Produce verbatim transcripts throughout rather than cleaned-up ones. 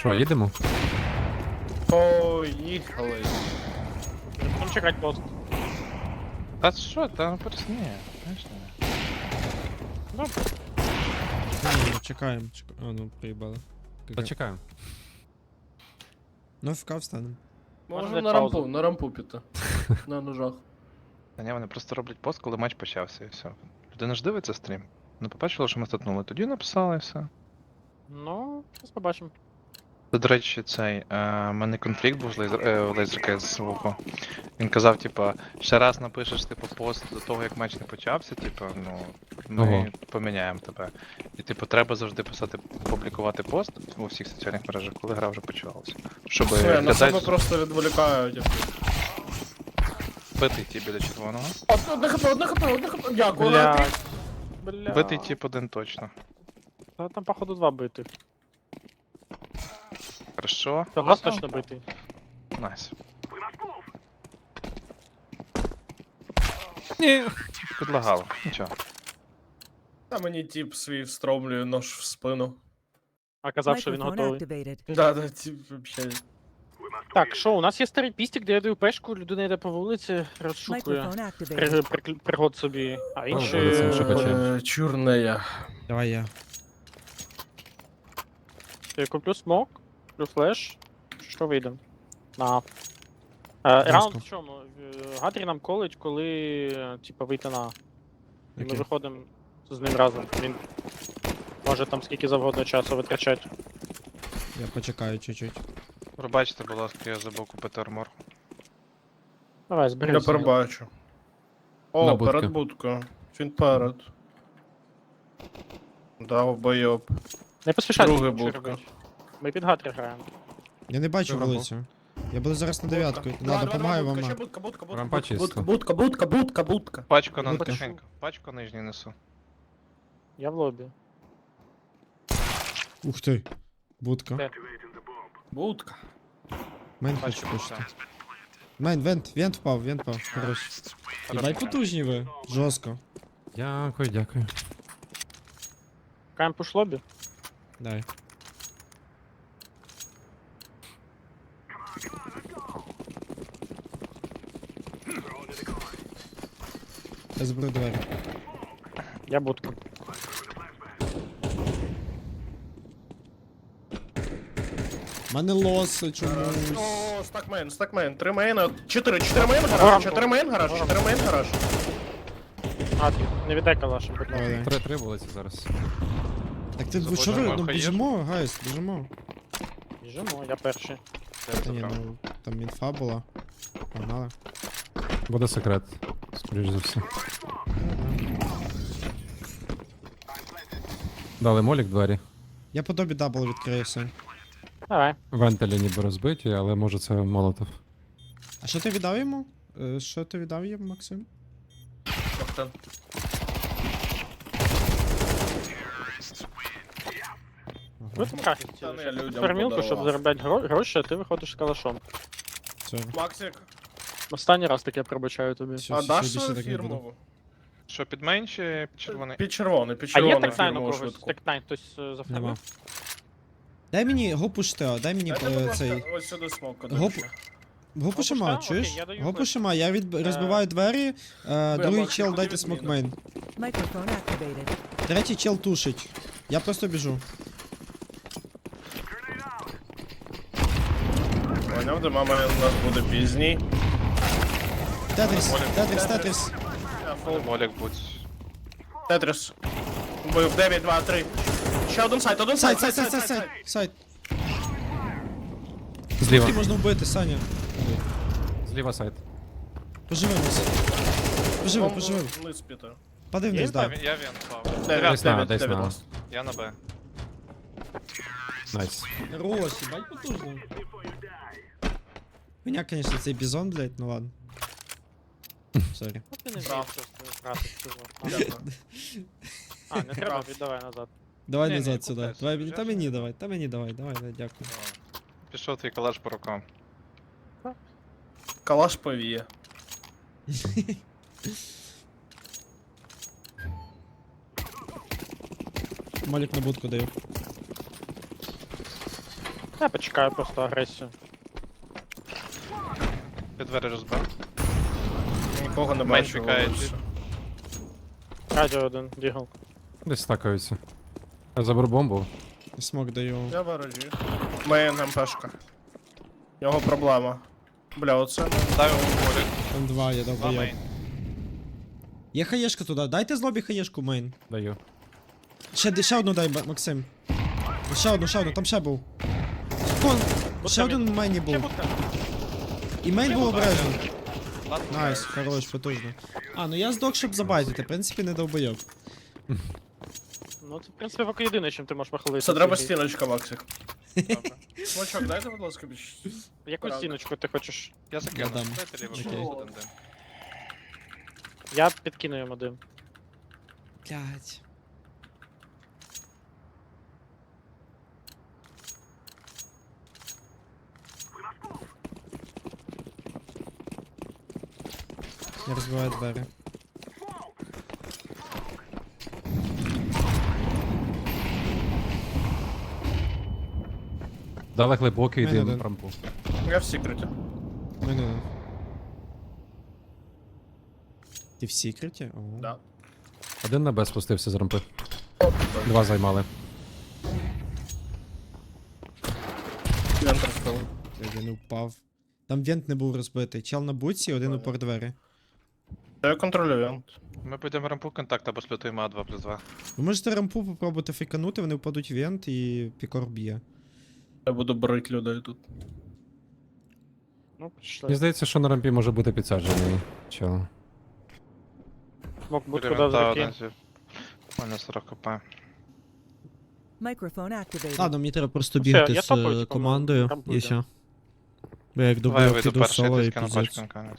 Що, їдемо? Поїхали. Будемо чекати пост. Та що, та просто ні, знаєш не. Добре. Ні, чекаємо, чекаємо. А, ну, приїбали. Почекаємо. Ну, ФК встанемо. Можна Можемо на взяти паузу. рампу, на рампу піти. На ножах. Та ні, вони просто роблять пост, коли матч почався і все. Людина ж дивиться стрім. Ну побачила, що ми статнули, тоді написали і все. Ну, зараз побачимо. Це, до речі, цей, е, в мене конфлікт був з лейзер, е, лейзерки з Вуко. Він казав, типа, ще раз напишеш, типу, пост до того, як матч не почався, типу, ну, ми Ого. поміняємо тебе. І, типу, треба завжди писати, публікувати пост у всіх соціальних мережах, коли гра вже почалася. Щоб Все, на себе глядач просто відволікають. битий ті біля червоного. Одне хп, одне хп, одне хп. Дякую, Андрій. Бля. Бля. Битий тип один точно. Та там, походу, два битих. Хорошо. Та раз точно битий. Найс. Ні. Підлагало. Нічого. Та мені тип свій встромлює нож в спину. А казав, що він Microphone готовий. activated. Да, да, тип вообще. Так, що, у нас є старий пістик, де я даю пешку, людина йде по вулиці, розшукує. Microphone activated. При, при, пригод собі. А інші... вулицям шукачі. Е, Чорнея. Давай я. Я куплю смок, куплю флеш. Що вийде? На. Е, раунд в чому? Е, Гатрі нам колить, коли, е, типа, вийти на. І ми Окей. виходимо з ним разом. Він може там скільки завгодно часу витрачати. Я почекаю чуть-чуть. Пробачте, будь ласка, я забув купити армор. Давай, Я зберись. перебачу. На О, будки. перед будкою. Він перед. Дав бойоб. Не поспішай. Друга нічого будка. робити. Ми під Гатрі граємо. Я не бачу Рампо. вулицю. Я буду зараз на дев'ятку. Два, На, два, допомагаю два, вам. будка, на. ще будка, будка, будка, Рампа будка, чисто. будка, будка, будка, будка, будка. Пачку на Будка. тихенько. Пачку нижню несу. Я в лобі. Ух ти. Будка. Де? Будка. Мейн Пачку хочу пушити. пушити. Мейн, вент, вент впав, вент впав. Хорош. Дай потужні ви. Жорстко. Дякую, дякую. Каємо пуш лобі. Дай. Я заберу двері. Я будка. У мене лос чомусь. О, стакмен, стакмен. Три мейна. Чотири, чотири мейн Рампу. гараж, чотири мейн гараж, чотири мейн гараж. Гатрі, не віддай калашем, будь Давай, ласка. давай. Три, три вулиці зараз. Так ти Забудь, що ви? нормально, Ну хаєш? біжимо, гайс, біжимо. Біжимо, я перший. Я Та ні, забрав. ну там інфа була. Погнали. Буде секрет. Скоріш за все. Дали молік двері. Я по добі дабл відкрию все. Давай. Вентилі ніби розбиті, але може це молотов. А що ти віддав йому? Е, Що ти віддав йому, Максим? Каптан. Ви там графік Та не, людям фермілку, щоб подарував. заробляти гро- гроші, а ти виходиш з калашом. Все. Максик, Останній раз таке пробачаю тобі. Все, а все, даш більше свою так не буду. фірмову? Що, під мейн чи під червоний? Під червоний, під А є червоний текнайн у фірмову когось? швидку. Текнайн хтось е, Нема. зафармив? Дай мені гопуш Тео, дай мені Дайте, будь е, ласка, цей. ось сюди смок Гоп- один ще. Гопу Гопуш шима, Тео? чуєш? Окей, я даю Гопу флеш. шима, я від... Е, розбиваю двері, е, другий Максим, чел куди дайте від смок міни? мейн. Microphone activated. Третій чел тушить. Я просто біжу. Поняв, де мама у нас буде пізній. Тетріс, Молік. Тетріс, Тетріс. Я фул. Молік будь. Тетріс. Бив дев'ять, два, три. Ще один сайт, один Сайт, сайт, сайт, сайт, сайт, сайт, сайт. Зліва. Ти можна вбити, Саня. Зліва сайт. Поживи нас. Поживи, поживи. Вниз піти. Пади вниз, Я, да. він- я він впав. Десь Дев'ять, на, дев'ять, десь дев'ять. на. ласт. Я на Б. Найс. Хорош, ебать потужно. Меня, конечно, цей бізон, блядь, ну ладно. Сорі. Ну, ти не вмієш Прав. просто грати в цього. Дякую. А, не треба, Прав. віддавай назад. Давай Ні, ні, назад сюди. купляйся. Давай, мені- та Взяв мені собі? давай, та мені давай, давай, давай, дякую. Пішов твій калаш по рукам. Калаш повіє. Малік на будку даю. Я почекаю просто агресію. Я двері розбив. Нікого не Мейн бачу. пікає. вулицю. Радіо один, дігл. Десь стакаються. Я заберу бомбу. Смок даю. Я ворожі. Мейн МПшка. Його проблема. Бля, оце. Дай йому молік. Там два, я Два довбоєб. мейн. Є хаєшка туди, дайте з лобі хаєшку, мейн. Даю. Ще, ще одну дай, Ба- Максим. Ще одну, ще одну, там ще був. Кон, ще один в мейні Ще був. будка. І мейн був обережний. Ладно, Найс, хорош, потужно. А, ну я здох, щоб забайтити, в принципі, не довбойоб. Ну це, в принципі, поки єдине, чим ти можеш похилитися. Це треба Сергій. стіночка, Максик. добре. Смочок, дайте, будь ласка, більш. Яку Так. стіночку ти хочеш? Я закину. дам. Дайте ліво, Окей. okay. один дим. Я підкину йому дим. Блять. Я розбиваю двері. Дали глибокий Мене дим один. рампу. Я в секреті. Ну, ну, ну. Ти в секреті? О. Да. Один на Б спустився з рампи. Два займали. Вентер впав. Один упав. Там вент не був розбитий. Чел на буці, один упор двері. Я контролюю вент. Ми підемо рампу контакт або сплютуємо А два плюс два. Ви можете рампу попробувати фейканути, вони впадуть в вент і пікор б'є. Я буду брити людей тут. Ну, пішли. Мені здається, що на рампі може бути підсаджений. Чел. Мог будку Біля дав вента закинь. один зі. У мене сорок хп. Microphone activated. Ладно, мені треба просто Ну, все, бігти я з топаю, е, типу, командою рампу і йде. все. Бо я як Давай добив, вийду піду перший, соло ти і скину піздець. пачку наконець.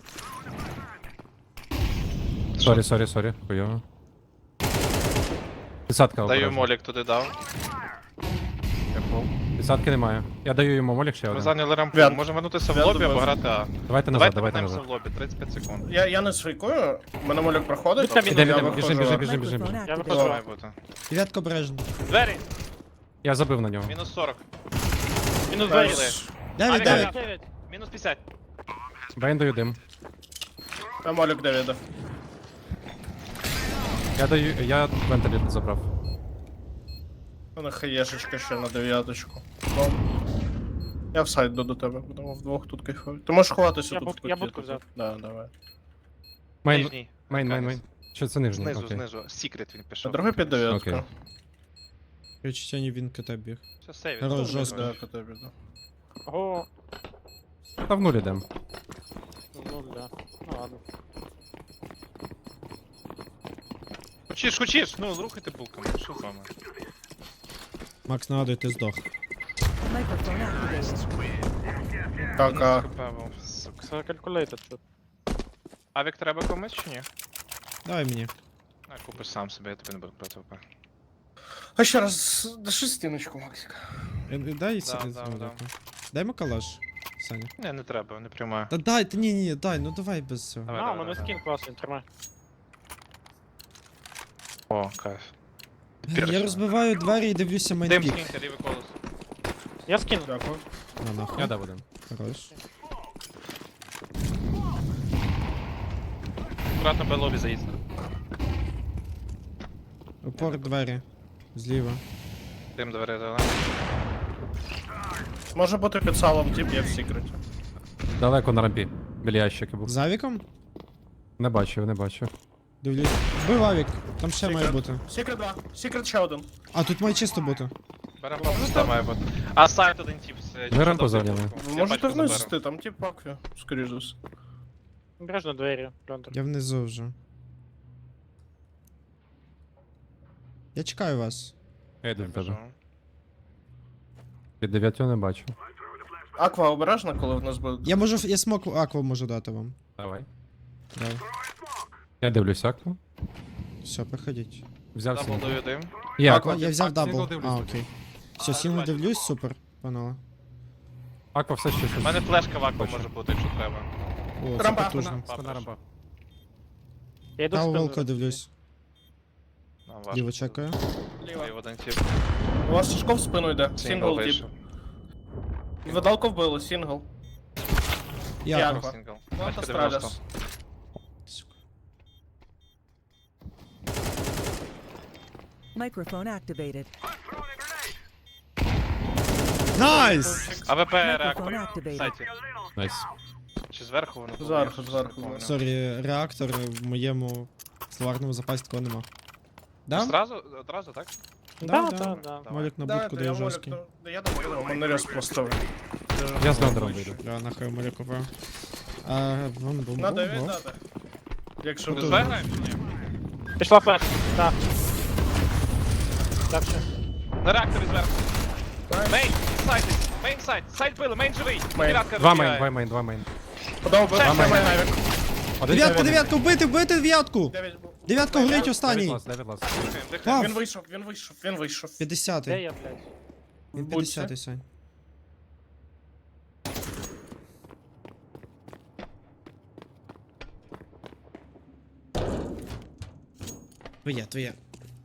Сорі, сорі, сорі. Хуйово. Підсадка Даю обережно. молік туди дав. Я пол. Підсадки немає. Я даю йому молік ще Ми один. зайняли рампу. Вен. Можемо вернутися в Вен лобі або добив. грати А. Давайте назад, Давайте давайте вернемося назад. в лобі, тридцять п'ять секунд. Я, я не свайкую, мене молік проходить. Будь-ка він я Іде, іде, виходжу. біжи, біжи, біжи, біжи, біжи. Microphone Я activated. виходжу. Має бути. Дев'ятка обережно. Двері! Я забив на нього. Мінус сорок. Мінус двері. Найс. Дев'ять, Авік, дев'ять. авік, дев'ять. Мінус п'ятдесят. Бейн даю дим. Я молік Девіда. Я даю. Я вентилір забрав. У мене хаєшечка ще на дев'яточку. Ну, я в сайт до, до тебе, будемо вдвох тут кайфувати. Ти можеш ховатися Я тут. буд- в куті, я будку тут. взяв. Да, давай. Мейн, Нижній. мейн, мейн, Арканець. мейн. Чи це нижній? Знизу, Окей. знизу. Секрет він А пішов. другий під дев'ятку. Окей. Відчуття ні він КТ біг. Все, сейв. Хорош, Добре, жорстко. добре. Да, КТ біду. Ого. Та в нуль ідем. Ну, да. Ну, ладно. Хочеш, хочеш? Ну, рухайте булками. Що з вами? Макс, нагадуй, ти здох. Microphone activated. Так, а Мінус хп був, сука. Це калькулятор тут. Авік треба комусь чи ні? Давай мені. А, купиш сам собі, я тобі не буду брати ВП. А ще раз, даши стіночку, Максик. Е, е, Дай Да, сі- да, ну, да. дякую. Дай макалаш, Саня. Ні, не треба, не приймаю. Та дай, та ні, ні, дай, ну давай без цього. Давай, А, у давай, мене давай. скін класний, тримай. О, кайф. Я розбиваю двері і дивлюся Дим мейнпік. скиньте, лівий колос. Я скину. Дякую. На нахуй. Я дав один. Хорош. Аккуратно по лобі заїзд. Упор двері. Зліва. Дим двері дали. Може бути під салом тип, я в секреті. Далеко на рампі. Біля ящики був. З авіком? Не бачив, не бачив. Дивлюсь. Бив авік. Там ще має Секрет. бути. Секрет два. Секрет ще один. А, тут має чисто бути. Беремо папу, має бути. А сайт один тип. це- Ми рампу чисто зайняли. булку. Ви Я можете пачку вниз заберу. зайти, там тип пакві, скоріш за все. Обережно двері, Льондер. Я внизу вже. Я чекаю вас. Я йду Я до тебе. біжу. Під дев'ятю не бачу. Аква обережна, коли в нас буде. Я можу, я смок акву можу дати вам. Давай. Давай. Я дивлюсь акву. Все, приходіть. Взяв Дабл сінгл. даю дим. Є Аква, аква. я взяв А, сінгл дабл. дивлюсь. А, окей. Все, сінгл дивлюсь, супер. Панове. Аква все ще У щось. мене флешка в акву Точно. може бути, якщо треба. О, це Рампа, потужно. Спина рампа. Я йду Та в у спину. волка дивлюсь. Нам важко. Ліво чекаю. Лівий один тип. У вас Сашко в спину йде. Сингл Сингл тип. вийшов. Видалку вбили, сингл. Я. Я. Сингл, сингл. Планта Бачка дев'яносто. Страліс. Microphone activated. Найс! АВП Microphone реактор. В activated. сайті. Найс. Чи зверху воно було? Зверху, Я щось зверху, не пам'ятаю. Сорі, реактор в моєму словарному запасі такого нема. Да? Зразу, одразу, так? Да, Да, да, да. да. Молік на Да, будку это я дає молик, жорсткий. ну, да я думаю, у мене рез просто. Я з надером вийду. Я нахай молік купив. А, вон бум Надо, бум він бум. надо. Якщо Ми ви... з Б граємо чи ні? Пішла флеш. Так. Дальше. На реакторі зверху. Найс. Мейн, сайт, мейн сайт, сайт били, мейн живий. Мейн. Дев'ятка Два розбігає. мейн, два мейн, два мейн. Подав би, Ще, ще ще, мейн ще. авік. Один Дев'ятка, дев'ять. дев'ятка, вбити, вбити дев'ятку! Дев'ять був. Дев'ятка Мейн, горить дев'ять останній. Дев'ять лас, дев'ять лас. Дихаємо, дихаємо. Вау. Він вийшов, він вийшов, він вийшов. Де п'ятдесятий. я, блядь? Він п'ятдесятий, Сань. Твоє, твоє.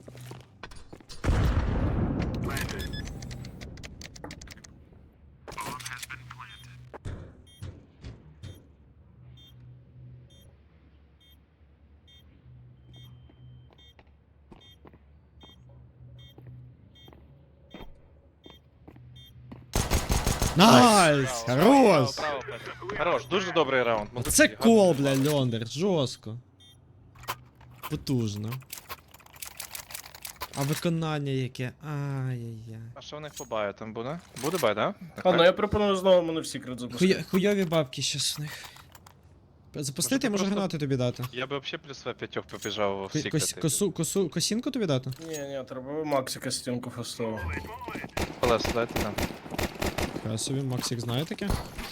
Найс! Браво, Хорош! браво, браво, Петро. Хорош, дуже добрий раунд. молодці, Це гарно. кол, бля, Льондер, жорстко. Потужно. А виконання яке? Ай-яй-яй. А що в них по баю там буде? Буде бай, да? А, ну я пропоную знову мене в секрет запустити. Хуя, хуйові бабки щас у них. Запустити, я можу просто- гранати тобі дати. Я би взагалі плюс п'ятьох побіжав в Ко- секрети. кос- косу, косу, косінку тобі дати? Ні, ні, треба Максика стінку фастову. Колесо дайте там. Я собі, Максик знає таке?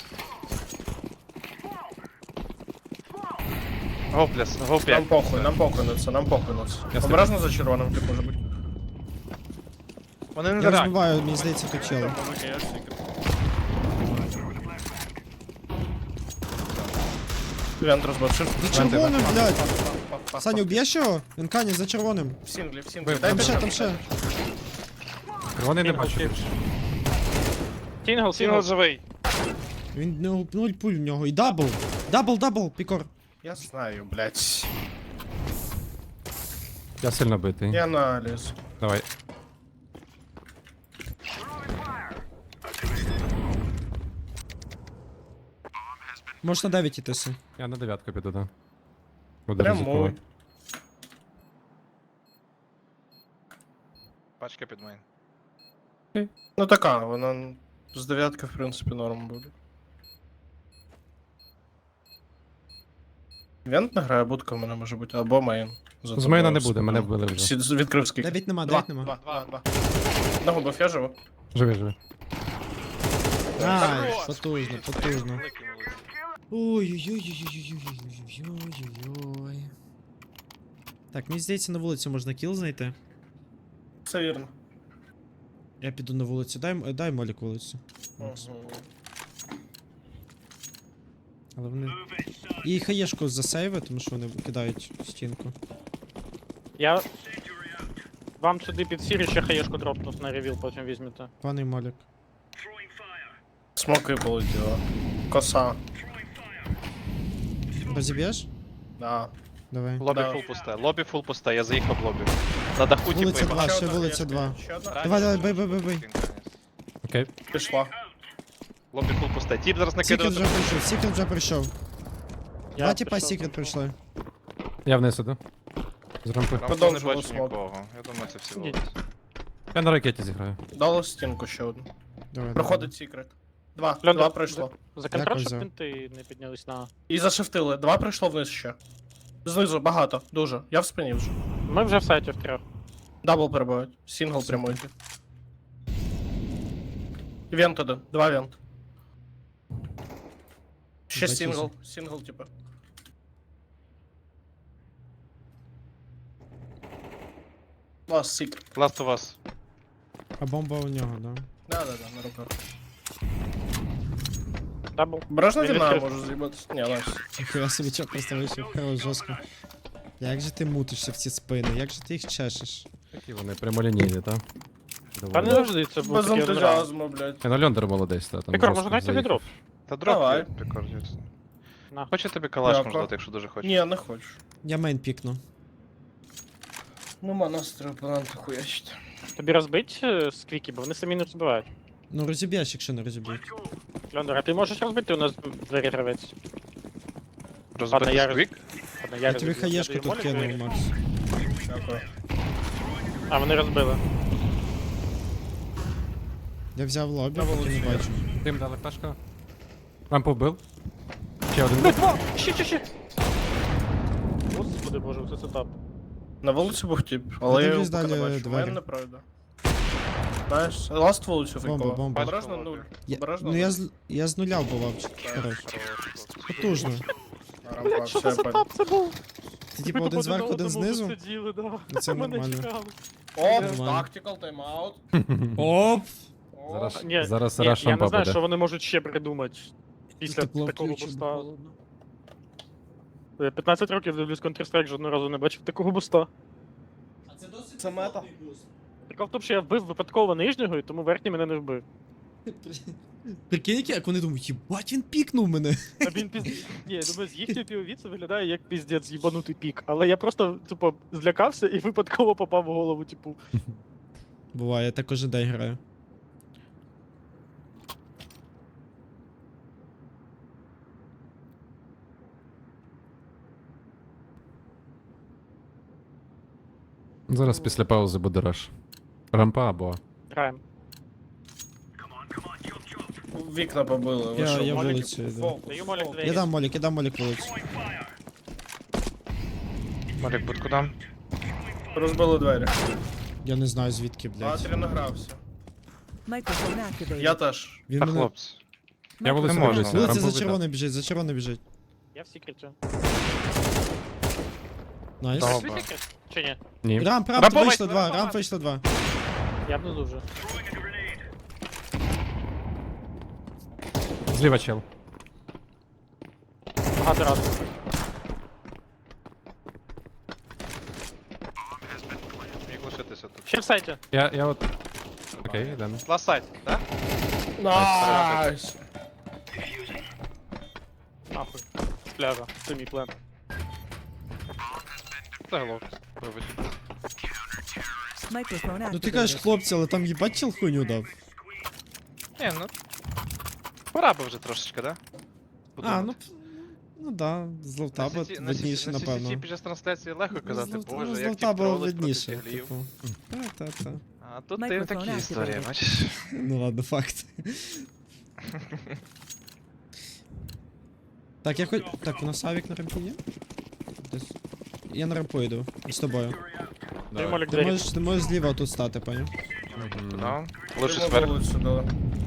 Гоплес, Нам гоп похуй, нам похуй на це, нам похуй на це. Обережно за червоним, тип, може бути. Вони не Я реакт. розбиваю, мені здається, то чело. Там, мужики, я ж секрет. Вент розбавшив. За червоним, блядь! Саню, Саня, уб'єш його? Він кані за червоним. в сінглі, в сінглі. Вибив. Дай Там ще, більше. там ще. Червоний не Сингл, бачу. сингл. більше. Сінгл, Сінгл сінгл. живий. Він ну, нуль пуль в нього. І дабл! Дабл, дабл, пікор. Я знаю, блядь. Я сильно битий. Я аналіз. Давай. Можеш на дев'ять ітися. Я на дев'ятку піду, да. Буду Прямой. ризикувати. Пачка під мейн. Ну така, вона з дев'ятки, в принципі, норм буде. Вент не грає, будка в мене може бути, або мейн. За З мейна не тобою буде, мене спину. вбили вже. Сі- з- Відкрив скільки. Дев'ять нема, Два, дев'ять нема. два, два, два. Нагубив, я живу. Живи, живи. Ай, Хорош. потужно, потужно. Великий молодець. Ой-ой-ой-ой-ой-ой-ой-ой-ой. Так, мені здається, на вулиці можна кіл знайти. Все вірно. Я піду на вулицю. Дай, м- дай молік вулицю. Макс. Мгм. Але вони. І хаєшку засейви, тому що вони кидають стінку. Я... Вам сюди під сірі ще хаєшку дропнув на ревіл, потім візьмете. Паний молік. Смоки полетіло. Коса. Розіб'єш? Да. Давай. Лобі Да. фул пусте, лобі фул пусте, я заїхав в лобі. На даху типу Вулиця і два, багато. ще одна вулиця хаєшка, два. ще одна. Давай, давай, бей, бей, бей, бей. Окей. Пішла. Лобі фул пусте. Тіп зараз Секрет накидав. вже прийшов, секрет вже прийшов. Я Два типа пішов. секрет прийшли. Я вниз іду. З рампи. Там не Подовжував бачу смок. нікого. Я думаю, це всі Ні. вулиці. Я на ракеті зіграю. Дало стінку ще одну. Давай, Проходить секрет. Два, Льондер, два пройшло. За контракт, щоб взяв. пінти не піднялись на... І зашифтили. Два пройшло вниз ще. Знизу багато, дуже. Я в спині вже. Ми вже в сайті в трьох. Дабл перебувають. Сингл прямой. Вент один. Два вент. Ще Бачу, сингл. Сингл, типа. Лас секрет. Last of Us. А бомба у нього, да. Да-да-да, на руках. Дабл. Обережно Він вина відкрив. може з'їбатися. Ні, найс. Ніхуя собі чок просто вийшов, хорош, жорстко. Як же ти мутишся в ці спини, як же ти їх чешеш? Такі вони прямолінійні, так? Та не Доволі. завжди це був Без такий раунд. ентузіазму, блядь. Я на Льондер молодець, та там. Пікор, жорстко може дайте заїхав. відроб? Та дроп Давай. є, прикор є. На. Хоче тобі калаш Дякую. можна дати, якщо дуже хочеш. Ні, не хочу. Я мейн пікну. Нема настрою планти хуячити. Тобі розбить е, сквіки, бо вони самі не розбивають. Ну розіб'єш, якщо не розіб'ють. Льондер, а ти можеш розбити у нас двері гравець? Розбити я сквік? Ладно, Я тобі розбив. хаєшку Я тут даю молік, кинув, двері. Макс. Дякую. А, вони розбили. Я взяв лобі, На поки вулиці не є. бачу. Дим дали флешка. Рампу вбив. Ще один Блядь, був. два! Ще, ще, ще! Господи боже, це сетап. На вулиці був тип, але я його Подивись поки не далі бачу. двері. Мене неправда. Знаєш, ласт вулицю Бомба, фейкова. бомба. Обережно нуль. Я, Обережно ну я нуль. з, я з нуля вбивав. Хорош. Потужно. А, рампа, Блядь, що все, за я понял. сетап це був? Ти типу один зверху, один знизу. Сиділи, да. Ну, це Мене нормально. чекали. Оп, Нормально. тактикал, тайм-аут. Оп! Зараз, Ні, зараз Ні, раш я не рампа знаю, буде. що вони можуть ще придумати. Після Тепло такого включив, буста. холодно. Я п'ятнадцять років дивлюсь Counter-Strike, жодного разу не бачив такого буста. Це мета. Прикол в тому, що я вбив випадково нижнього, і тому верхній мене не вбив. Прикинь, як- як вони думають, їбать, він пікнув мене. А він піз... Ні, я думаю, з їхньої пі о ві це виглядає як піздець їбанутий пік. Але я просто, типу, злякався і випадково попав в голову, типу. Буває, я так кожен день граю. Зараз після паузи буде раш. Рампа або. Граємо. Вікна побили. ви Я- що, я моліки? вулицю йду. Фол, Даю молік фол. двері. Я дам молік, я дам молік вулицю. Малік, будку дам. Розбили двері. Я не знаю звідки, блядь. Атрі награвся. Microphone activated. Я теж. Він Та мене... хлопці. Я вулицю Не можна. дивлюся. Вулиця рампу за видно. червоне біжить, за червоне біжить. Я в секреті. Найс. Добре. Свій секрет? Чи ні? Ні. Рамп, рамп, Рампа вийшло вийшла, два, рампа рамп вийшло два. Я внизу вже. Зліва чел. Багато разів. Міг лишитися тут. Ще в сайті. Я, я от. Окей, йдемо. Ласт сайт, так? Найс! Нахуй. З пляжа. Це мій план. Це глок. Вибач. Microphone activated. Ну ти кажеш хлопці, але там їбать чел хуйню дав. Ні, ну. Пора би вже трошечки, да? А, ну... Ну да, з ловтаба На сіті- на видніше, сіті- на напевно. сіті під час трансляції легко казати, Ну, з Лов- боже, ну, з як ті ловтаба тролить проти видніше, тіглів. типу. Та-та-та. А тут ти Microphone такі activated. історії, бачиш? Ну ладно, факт. Так, я хоч... Так, у нас авік на рампі є? Десь. Я на рампу йду. З тобою. Даю молік Ти двері. можеш, ти можеш зліва тут стати, поняв? Ну, лучше Йому зверху. вулицю дали.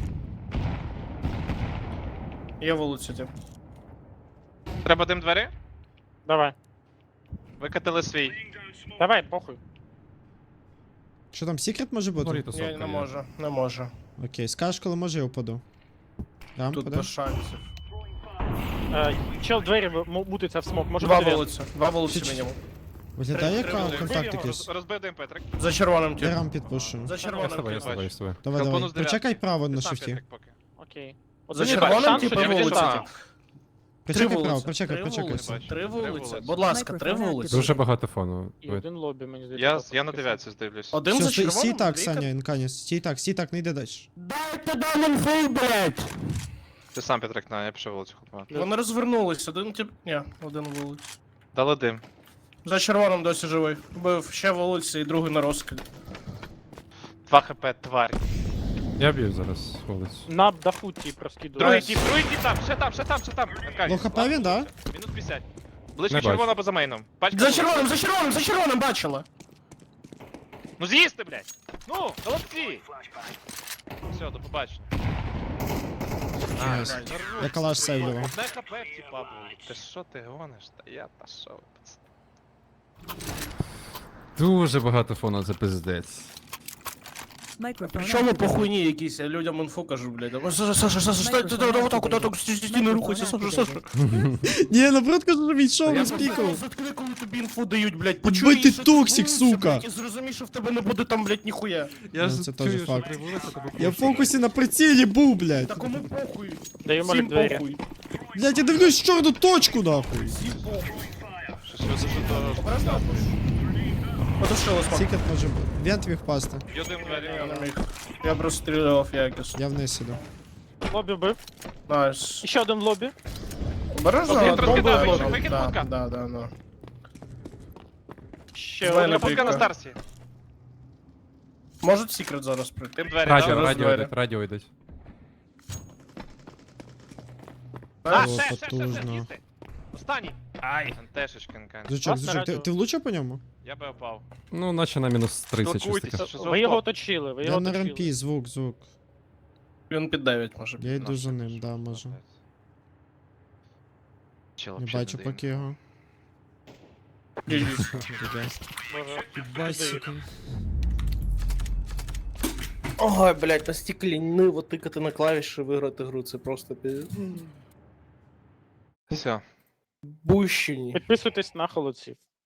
Є вулицю, тип. Треба дим двері? Давай. Викатили свій. Давай, похуй. Що там, секрет може бути? Горі Ні, тусовка не є. можу, не можу. Окей, скажеш, коли може, я впаду. Рампа, Тут да? без шансів. Е, чел двері в- м- мутиться в смок. Може Два бути він. вулиці, два вулиці Чи- мінімум. Виглядає як Три- кон- три- контакт три- якийсь. Розбив дим, Петрик. За червоним Я тип. рамп підпушу. За Я з червоним тобою, я тип. з тобою, я з тобою. Давай, Халкону давай. з дев'ятки. Прочекай право на Ти сам, шифті. Петрик, поки. Окей. За От червоним шанс, типу що я вулиці. відійшла. тип. Три Прочекай право, вулиці, прочекай, три прочекай. вулиці, Бачу. Три Три вулиці. вулиці. Будь ласка, три Microphone вулиці. Дуже багато фону. І Ви- один лобі, мені здається. Я, я на поки дев'ятці здивлюсь. Один Все, за стій, червоним. стій так, двійка. Саня, Інканіс, стій так, стій так, не йди далі. Ти сам, Петрик, на, я пішов вулицю хлопати. Вони розвернулись, один тип. Ні, один вулиць. Дали дим. За червоним досі живий. Бив ще вулиці і другий на розкиді. два хп, тварь. Я б'ю зараз вулицю. На дафу ті проскидує. Другий Найс. тіп, другий тіп там, ще там, ще там, ще там. Аркадій, Ну, хп ладно, він, да? Мінус п'ятдесят. Ближче Не червона бачу. поза мейном. Пачка За вулиць. червоним, за червоним, за червоним бачила. Ну з'їсти, блядь! Ну, молодці! Все, до побачення. Найс. Я калаш сейвлював. Одне хп в тіпа було. Ти що ти гониш? Та я пішов, пацан. Дуже багато фону, це пиздець. Microphone Причому по activated. хуйні якісь, я людям інфу кажу, блядь. А, Саша, Саша, Саша, стой, ти давай отак, отак, отак, стій, не рухайся, Саша, Саша. Ні, наоборот, кажу, що він шов Я розпікав. просто заткни, коли тобі інфу дають, блядь. Бо Почуй, ти що токсик, вулиця, сука. блядь, І зрозумій, що в тебе не буде там, блядь, ніхуя. Я Ну, ж це теж чую, що факт. при вулиці тебе Я в пушать. фокусі на прицілі був, блядь. Та кому похуй? Даю Всім молік двері. похуй. Блядь, я дивлюсь в чорну точку, нахуй. Всім похуй. Щось ви дуже то... Обережно. Подушило смак. Секрет може бути. Вент міг впасти. Юдим Я двері. не міг. Я просто стріляв якісно. Я вниз іду. Лобі бив. Найс. І ще один в лобі. Обережно, Окей, бомба, трошки дав, бомба. викид Да, путка. да, да, да. Ще Двері один. Я путка на Прикольно. старсі. Можуть секрет зараз прийти. Тим двері, Радіо, да? радіо двері. йдуть, радіо йдуть. А, О, ще, ще, ще, ще, потужно. їсти. Останній. Ай. Антешечкин, кан. Зучок, Вас на зучок, ти, радіо. ти влучив по ньому? Я би опав. Ну, наче на мінус тридцять щось Спілкуйтеся, таке. що за Ви його опав? оточили, ви Я його на оточили. рампі, звук, звук. Він під дев'ять може. Я йду за ним, да, можу. Чел Не вообще бачу не дим. поки його. Ні-ні. Іде. Боже. Бать, сука. Ой, блядь, настільки ліниво тикати на клавіші і виграти гру, це просто пі... Все. Бущені. Підписуйтесь на холодців.